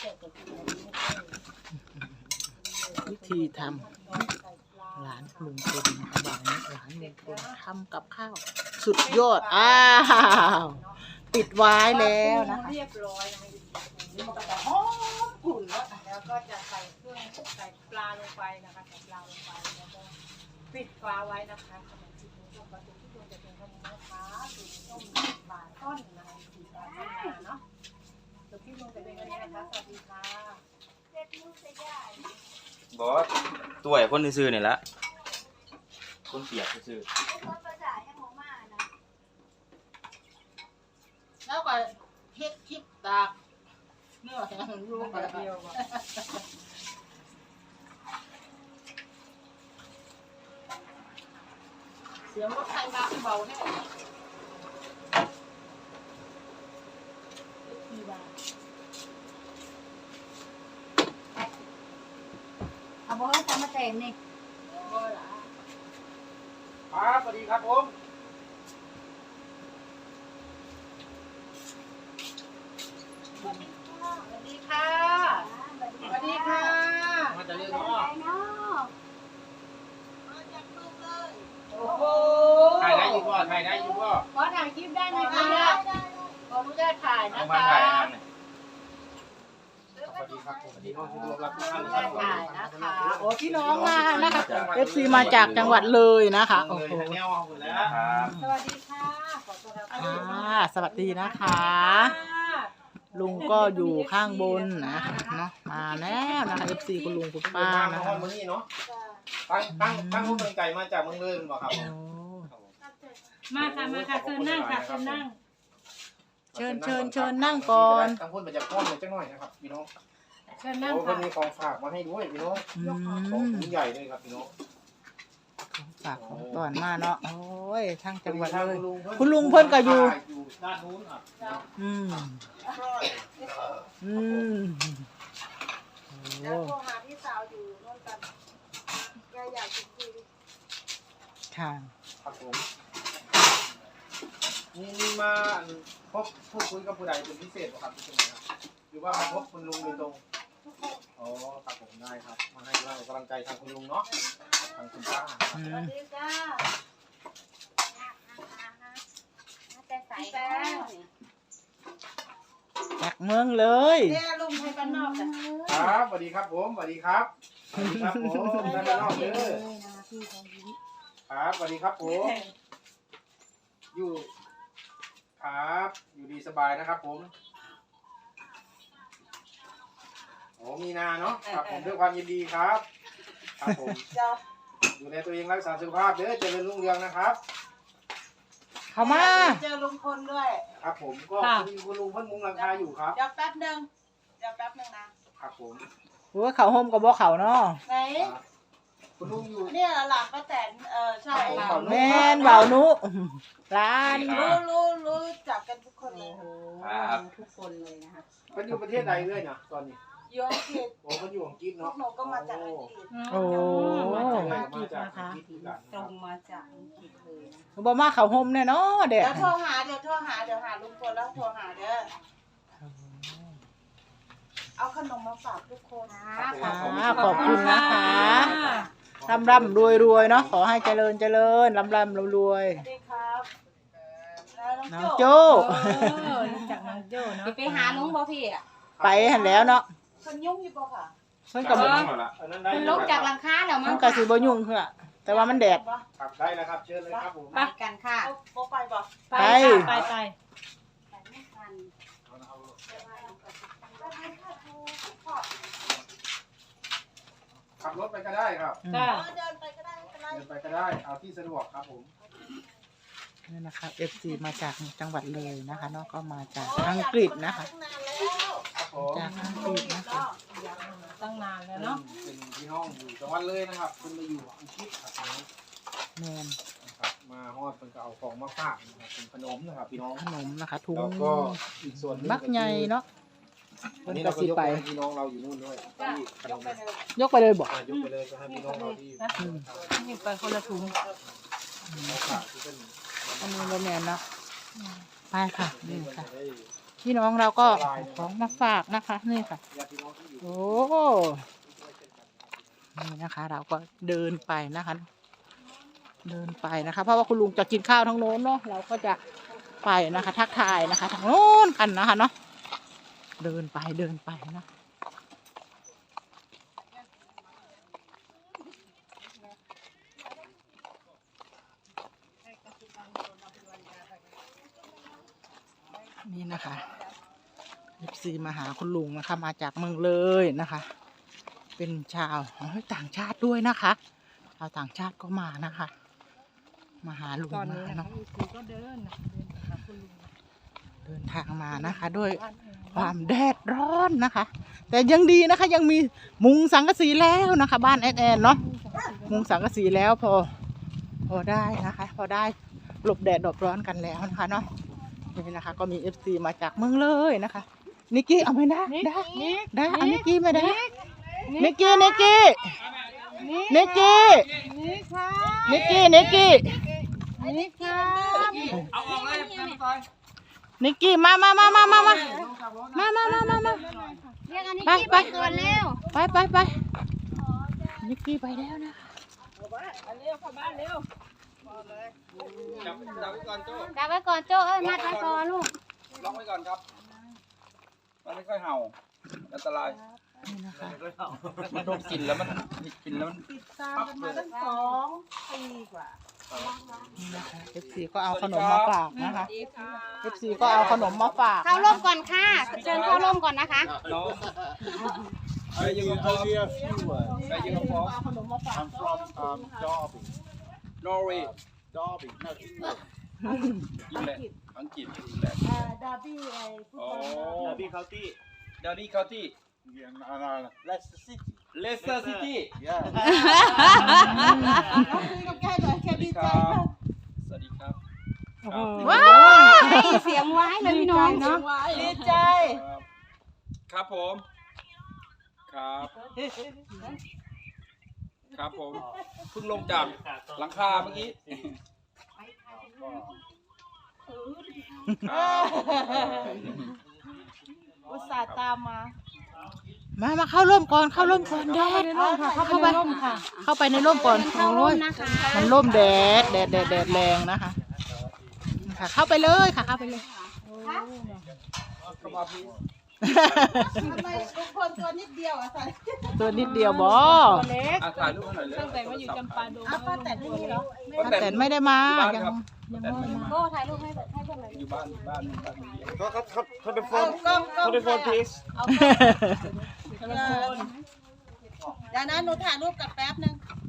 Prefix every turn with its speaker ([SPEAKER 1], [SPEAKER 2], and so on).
[SPEAKER 1] วิธีทำหลานลุงพลบอกนี้หลานลุงพลทำกับข้าวสุดยอดปิดไว้แล้วนะคะ
[SPEAKER 2] เรียบร้อยนะคะมันก็จะหอมกลุ่นแล้วก็จะใส่เครื่องใส่ปลาลงไปนะคะใส่ปลาลงไปแล้วก็ปิดฟ้าไว้นะคะขนมจีนต้มปลาทูที่ควรจะเป็นขนมนะคะสูตรต้มปลาต้นนะคะสูตรปลาต้นเนาะสูตรที่ลุงจะเป็นยังไงคะสวัสดีค่ะ
[SPEAKER 3] บอกว่าตัวไอ้คนซื่อๆนี่ละคนเปียกซื่อ
[SPEAKER 1] แล้วก็เฮ็ดคลิปตากเนื้อแห้งลูกไปเดียวเสียงรถไฟมาเบาแน่
[SPEAKER 4] เอาบ่ให้ทำมาแต่งนี่
[SPEAKER 3] ครับสวัสดีครับผม
[SPEAKER 1] สวัสดีค่ะสวัสดีค่ะ
[SPEAKER 3] มาจากเรื่อง
[SPEAKER 4] ไป
[SPEAKER 3] เนาะ
[SPEAKER 4] เนาะ
[SPEAKER 1] โอ้โห
[SPEAKER 3] ถ่ายได้อยู่บ่ถ่ายได้อยู่บ่
[SPEAKER 1] ขอถ่ายคลิปได้ไหมคะขออนุญาตถ่ายนะ
[SPEAKER 3] เอามา
[SPEAKER 1] คะ
[SPEAKER 3] ถ่ายอันนั้น
[SPEAKER 5] สวัสดีครับผมสวัสดีน้องที่รับทุกท่าน
[SPEAKER 1] ถ่ายนะคะโอ้พี่น้องมานะคะ FC มาจากจังหวัดเลยนะคะโอ้
[SPEAKER 5] เลย
[SPEAKER 1] โห
[SPEAKER 5] แนวเอาหมดแล้ว
[SPEAKER 3] ครับ
[SPEAKER 2] สวัสดีค่ะขอต้อนรับเข้าสู่ช่อง
[SPEAKER 1] สวัสดีนะคะ ลุงก็อยู่ข้างบนนะเนาะมาแล้วนะคะ FC คุณลุงคุณป้า
[SPEAKER 5] มา
[SPEAKER 1] นะ
[SPEAKER 5] ฮอ
[SPEAKER 1] คะ
[SPEAKER 5] นมื้อนี้เนาะตั้งผู้เป็นไก่มาจากเมืองเลยบ่ครับ
[SPEAKER 1] โอ้
[SPEAKER 2] มาค่ะมาค่ะเชิญนั่งค่ะเชิญนั่ง
[SPEAKER 1] เชิญนั่งก่อน
[SPEAKER 5] ตั้งพูดมาจากพ่อเลยจังหน่อยนะครับพี่น้อง
[SPEAKER 2] เชิญนั่ง
[SPEAKER 5] โอ้เพิ่
[SPEAKER 2] ค่ะ
[SPEAKER 5] นมีของฝากมาให้ด้วยพี่น้อง
[SPEAKER 1] อื
[SPEAKER 5] ของ
[SPEAKER 1] ม
[SPEAKER 5] ถุงใหญ่เลยครับพี่น้อง
[SPEAKER 1] ฝากของก่อนมาเนาะโอ้ยทั้งจังหวัดเลย
[SPEAKER 5] คุ
[SPEAKER 1] คุณลุงเพิ่นก็อยู่
[SPEAKER 5] ด้านนู้นครับ
[SPEAKER 1] อืมอืมโอ้
[SPEAKER 2] แล้วโทรหาพี่สาวอยู่โน่นกันแกอยากจะคุย
[SPEAKER 1] ค่ะ
[SPEAKER 5] ครับผมมีมาพบพูดคุยกับผู้ใดเป็นพิเศษบ่ครับที่นี่ครับหรือว่ามาพบคุณลุงโดยตรงอ๋อครับผมได้ครับมาให้กำลังใจทางคุณลุงเนาะทางคุณป้า
[SPEAKER 1] อื
[SPEAKER 2] สวั
[SPEAKER 1] ม
[SPEAKER 2] สดีจ้า
[SPEAKER 4] แต่ใส่แล้
[SPEAKER 1] จากเมืองเลย
[SPEAKER 2] เนี่ยลุงไทยบ้านนอกจ้ะ
[SPEAKER 5] ครับสวัสดีครับผมสวัสดีครับสวัสดีครับผมท่านนอกเด้อ
[SPEAKER 4] นะคะพี่ทองยิ้ม
[SPEAKER 5] ครับสวัสดีครับผมอยู่ครับอยู่ดีสบายนะครับผมโอ้มีนาเนาะครับผมด้วยความยินดีครับครับผม
[SPEAKER 2] เจ้า
[SPEAKER 5] ดูแลตัวเองรักษาสุขภาพเด้อเจริญรุ่งเรืองนะครับ
[SPEAKER 1] เข้ามา
[SPEAKER 2] เจอลุงพลด้วย
[SPEAKER 5] ครับผมก็คุณลุงเพิ่นมุงหลังคาอยู่ครับ
[SPEAKER 2] เดี๋ยวแป๊บนึงนะครับ
[SPEAKER 5] ผม
[SPEAKER 1] โอ้ยเขาโฮมกับบ่เขาเนาะ
[SPEAKER 2] ไหน
[SPEAKER 5] คุณลุงอยู่
[SPEAKER 2] เนี่ยหลานป้าแตนใช่
[SPEAKER 5] ครับ
[SPEAKER 1] แม่นเบานุร้าน
[SPEAKER 2] รู้จักกันทุกคนเลย
[SPEAKER 3] ครับ
[SPEAKER 4] ทุกคนเลยนะคะ
[SPEAKER 5] เพิ่นอยู่ประเทศใดเรื่อยนะตอนนี้
[SPEAKER 2] ยงเขต
[SPEAKER 5] โอ้เพิ่นอยู่อังกฤษ
[SPEAKER 2] พว
[SPEAKER 5] เนาะ
[SPEAKER 2] กหนูก็มาจากอังกฤษ
[SPEAKER 1] โอ้
[SPEAKER 5] มาจากอังกฤษเหมือนกัน
[SPEAKER 4] ตรงมาจากอังกฤษเลยนะ
[SPEAKER 1] บ่มาเขาโฮมแน่เนาะเด็
[SPEAKER 2] เดี๋
[SPEAKER 1] ก
[SPEAKER 2] ยวโทรหาเดี๋ยวหาลุงพลแล้วโทรหาเด้อเอาขนมมาฝากทุกคน
[SPEAKER 1] ขอบคุณนะคะร่ำรวยเนาะขอให้เจริญร่ำรวย
[SPEAKER 2] สวัสดีครับแล้ว
[SPEAKER 1] น้
[SPEAKER 2] น้
[SPEAKER 1] อ
[SPEAKER 2] อง ง
[SPEAKER 1] โจ
[SPEAKER 2] โจ้
[SPEAKER 4] รู้จักน้องโจ้เนาะไปหาลุงบ่พี่อ่ะ
[SPEAKER 1] ไปหันแล้วเนาะ
[SPEAKER 2] คนยุ่งอยู่ปะค่ะ
[SPEAKER 1] เพิ่นก็บ่
[SPEAKER 5] อันนั้นได้
[SPEAKER 4] มันลงจากหลังคาแล้วมั้
[SPEAKER 1] มั
[SPEAKER 4] ง
[SPEAKER 1] นก็สิบ่ยุ่งคือแต่ว่ามันแดด
[SPEAKER 5] ครับได้แล้วครับเชิญเลยครับผม
[SPEAKER 4] ไปกันค่ะ
[SPEAKER 2] โบไปปะ
[SPEAKER 1] ไป
[SPEAKER 2] ไป
[SPEAKER 4] ไปไม่ทัน
[SPEAKER 5] ขับรถไปก็ได้ครับ
[SPEAKER 2] เดินไปก็ได้ไม่เป็นไร
[SPEAKER 5] เดินไปก็ได้เอาที่สะดวกครับผม
[SPEAKER 1] นี่นะคะ FC มาจากจังหวัดเลยนะคะเนาะก็มาจากอังกฤษนะคะ
[SPEAKER 5] ครับผม
[SPEAKER 1] จากอังกฤษนะคะ
[SPEAKER 2] ตั้งนานแล้วเนาะ
[SPEAKER 5] เป็นพี่น้องอยู่จังหวัดเลยนะครับคุณมาอยู่อังกฤษครับพี่น้อง
[SPEAKER 1] แมน
[SPEAKER 5] นะครับมาฮอดเพิ่นก็เอาของมาฝากนะครับเป็นขนมนะครับพี่น้อง
[SPEAKER 1] ขนมนะคะถุง
[SPEAKER 5] แล้วก็อีกส่วนหนึง
[SPEAKER 1] บักใหญ่เนาะ
[SPEAKER 5] อั
[SPEAKER 1] เพิ่
[SPEAKER 5] น
[SPEAKER 1] น
[SPEAKER 5] นี้
[SPEAKER 1] ก็
[SPEAKER 5] เราก็
[SPEAKER 1] สิ
[SPEAKER 5] ยก
[SPEAKER 1] ไป
[SPEAKER 5] ไปให้พี่น้องเราอยู่นู่นด้วยที่ขน
[SPEAKER 2] ยก
[SPEAKER 5] ม
[SPEAKER 2] ไปเลย
[SPEAKER 1] ยกไปเลยบอก
[SPEAKER 5] ยกไปเลยก็ให้พี่น้องเราที่
[SPEAKER 1] อืม
[SPEAKER 2] นี่ไปคนละถุง
[SPEAKER 5] เขาฝากที่เป็น
[SPEAKER 1] อันนี้บ่แม่นเนาะไปค่ะนี่
[SPEAKER 5] มัน
[SPEAKER 1] ค่ะ
[SPEAKER 5] จะได้
[SPEAKER 1] พี่น้องเราก็เอาของมาฝากนะคะนี่ค่ะ
[SPEAKER 5] ญาติพี่น้องที่อยู่
[SPEAKER 1] โอ้นี่นะคะ เราก็เดินไปนะคะ เดินไปนะคะ เพราะว่าคุณลุงจะกินข้าวทั้งโน้นเนาะเราก็จะไปนะคะ ทักทายนะคะทางโน้นกันนะคะเนาะเดินไปนะ นี่นะคะFCมาหาคุณลุงนะคะ มาจากเมืองเลยนะคะ เป็นชาวต่างชาติด้วยนะคะชาวต่างชาติก็มานะคะ มาหาลุง
[SPEAKER 2] ตอน
[SPEAKER 1] นะ
[SPEAKER 2] นี้
[SPEAKER 1] คะ
[SPEAKER 2] นะคะ
[SPEAKER 1] เนาะ
[SPEAKER 2] คือก็เดินนะคะเดินไปหาคุณลุง
[SPEAKER 1] เดินทางมานะคะ ด้วยความแดดร้อนนะคะ แต่ยังดีนะคะ ยังมีมุงสังกะสีแล้วนะคะ บ้านแอนเนาะมุงสังกะสีแล้วพอได้นะคะ พอได้หลบแดดหลบร้อนกันแล้วนะคะเนาะนี่นะคะ ก็มี FC มาจากเมืองเลยนะคะนิกกี้เอาไหมได้เอานิกกี้มาได้นิกกี้
[SPEAKER 2] นี่ค่ะ
[SPEAKER 1] นิกกี้
[SPEAKER 2] นี่ค่ะ
[SPEAKER 5] เอาออกเลยกันซอย
[SPEAKER 1] นิกกี้มา
[SPEAKER 4] เรียกอันนี้ที่ไปก่อนแล้ว
[SPEAKER 1] ไปนิกกี้ไปแล้วนะ
[SPEAKER 5] จับไว้ก่อนโจ้
[SPEAKER 4] ดับไว้ก่อนโจ้เอ้ยมัดไว้ก่อนลูก
[SPEAKER 5] ล็อกไว้ก่อนครับมันไม่ค่อยเห่าอันตราย
[SPEAKER 1] นี่นะคะ
[SPEAKER 5] มันโดนกลิ่นแล้วมันกลิ่นแล้วมัน
[SPEAKER 2] ติดตามกันมาตั้ง2 ปีกว่า
[SPEAKER 1] นี่นะคะ FC ก็เอาขนมมาฝากนะคะ FC ก็เอาขนมมาฝาก
[SPEAKER 4] เข้าร่มก่อนค่ะเชิญเข้าร่มก่อนนะคะ
[SPEAKER 5] น้องไปยืนพร้อมไปยืนพร้อม
[SPEAKER 1] เอาขนมมาฝาก
[SPEAKER 6] I'm from Derby.
[SPEAKER 5] นอร์เวย์
[SPEAKER 6] Derby, no, England.
[SPEAKER 5] อิงแลนด์อังกฤษอิงแลนด์
[SPEAKER 2] ดาร์บี้ไอ้ฟุต
[SPEAKER 5] อ๋อบ
[SPEAKER 2] อล
[SPEAKER 6] Derby County.
[SPEAKER 5] ดาร์บี้เคาน์ตี้
[SPEAKER 6] Yeah, no, Leicester City.
[SPEAKER 5] เลสเตอร์ซิตี้
[SPEAKER 6] Yeah.
[SPEAKER 2] คุยกับแกหน่อยแก
[SPEAKER 5] สวัส
[SPEAKER 2] ดี
[SPEAKER 5] ดี
[SPEAKER 2] ใจ
[SPEAKER 5] ครับ
[SPEAKER 2] มาก
[SPEAKER 5] สวัสดีครับ
[SPEAKER 1] ว้า
[SPEAKER 4] เสียงไว้เลยพี่น้องเนาะ
[SPEAKER 2] ดีใจ
[SPEAKER 5] ครับผม ครับ ครับผมเพิ่งลงจากหลังคาเมื่อกี้ครับ
[SPEAKER 2] อุตส่าห์ตามมา
[SPEAKER 1] มาเข้าร่มก่อนแดด
[SPEAKER 2] เข้าไปในร่มค่ะ
[SPEAKER 1] เข้าไปในร่มก่อน
[SPEAKER 4] เข้าร่มนะคะ
[SPEAKER 1] มันร่มแดดแรงนะคะค่ะเข้าไปเลยค่ะเข้าไปเลย
[SPEAKER 5] เข้ามาพี่
[SPEAKER 2] ทำไมทุกคนตัวนิดเดียวอ่ะใส่
[SPEAKER 1] ตัวนิดเดียวบอ
[SPEAKER 2] ตัวเล็ก
[SPEAKER 5] ถ่ายรูปหน่อยเลย
[SPEAKER 2] ตั้งแต่มาอยู่จำปาดงป้าแต่ไม่มีเหรอ
[SPEAKER 1] ป้าแตนไม่ได้มา
[SPEAKER 5] บ้าน
[SPEAKER 1] ยัง
[SPEAKER 5] ครับ
[SPEAKER 1] ยังไม่ได้มา
[SPEAKER 4] โก้ถ่ายรูปให้เพื่อนเลย
[SPEAKER 5] อยู่บ้านบ้าน
[SPEAKER 6] Put the
[SPEAKER 2] เอา
[SPEAKER 6] phone,
[SPEAKER 2] กล้อง
[SPEAKER 6] put the phone, please.
[SPEAKER 2] เดี๋ยวนะหนูถ่ายรูปกับแป๊บนึง